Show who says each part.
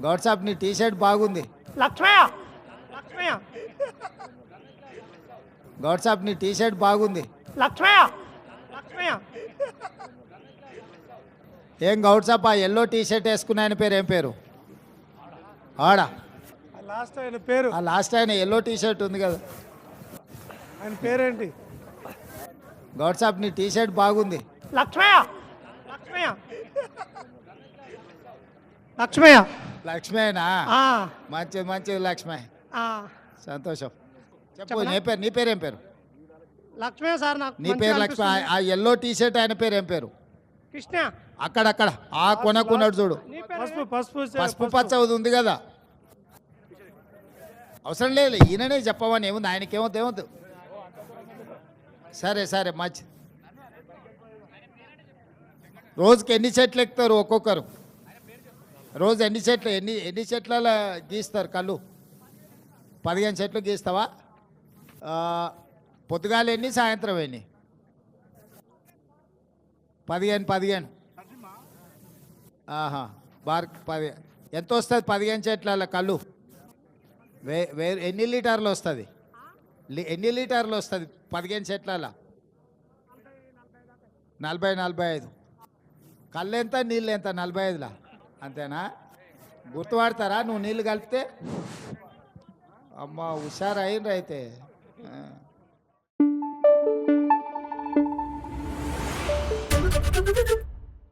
Speaker 1: గౌడ్ సాబ్ నీ T shirt బాగుంది.
Speaker 2: లక్ష్మయ్య లక్ష్మయ్య
Speaker 1: గౌడ్ సాబ్ నీ టీ షర్ట్ బాగుంది.
Speaker 2: లక్ష్మయ్య లక్ష్మయ్య
Speaker 1: ఏం గౌడ్ సాబ్ ఆ ఎల్లో టీ షర్ట్ వేసుకున్న ఆయన పేరు ఏం పేరు? ఆడా
Speaker 2: లాస్ట్ ఆయన పేరు,
Speaker 1: ఆ లాస్ట్ ఆయన ఎల్లో టీ షర్ట్ ఉంది కదా,
Speaker 2: ఆయన పేరేంటి?
Speaker 1: గౌడ్ సాబ్ నీ టీ షర్ట్ బాగుంది.
Speaker 2: లక్ష్మయ్య లక్ష్మయ్య లక్ష్మయ్య
Speaker 1: లక్ష్మేనా?
Speaker 2: ఆ,
Speaker 1: మంచిది మంచిది లక్ష్మే,
Speaker 2: ఆ.
Speaker 1: సంతోషం. చెప్పు
Speaker 2: చెప్పనా?
Speaker 1: నీ పేరు ఏం పేరు?
Speaker 2: లక్ష్మయ్య సార్ నాకు
Speaker 1: నీ
Speaker 2: మంచిగా
Speaker 1: పేరు లక్ష్మి.
Speaker 2: అనిపిస్తుంది.
Speaker 1: ఆ ఎల్లో టీ షర్ట్ ఆయన పేరు ఏం పేరు?
Speaker 2: కృష్ణ.
Speaker 1: అక్కడక్కడ ఆ కొనకున్నాడు చూడు,
Speaker 2: నీ పేరు పసుపు పసుపు
Speaker 1: పసుపు పచ్చ ఉంది కదా. అవసరం లేదు, ఈయననే చెప్పమని ఏముంది, ఆయనకేమవుతుంది ఏమవుతుంది. సరే సరే మంచి. రోజుకి ఎన్ని చెట్లు ఎక్కుతారు ఒక్కొక్కరు? రోజు ఎన్ని చెట్లు ఎన్ని చెట్ల గీస్తారు కళ్ళు? 15 చెట్లు గీస్తావా? పొద్దుగాలు ఎన్ని, సాయంత్రం ఎన్ని? 15. ఆహా, బార్ 10. ఎంత వస్తుంది 15 చెట్ల కళ్ళు? ఎన్ని లీటర్లు వస్తుంది? ఎన్ని లీటర్లు వస్తుంది 15 చెట్ల? 40-45. కళ్ళు ఎంత, నీళ్ళు ఎంత? 45లా? అంతేనా? గుర్తుపడతారా నువ్వు నీళ్ళు కలిపితే? అమ్మ హుషారు అయిండ్రు అయితే. ఆ.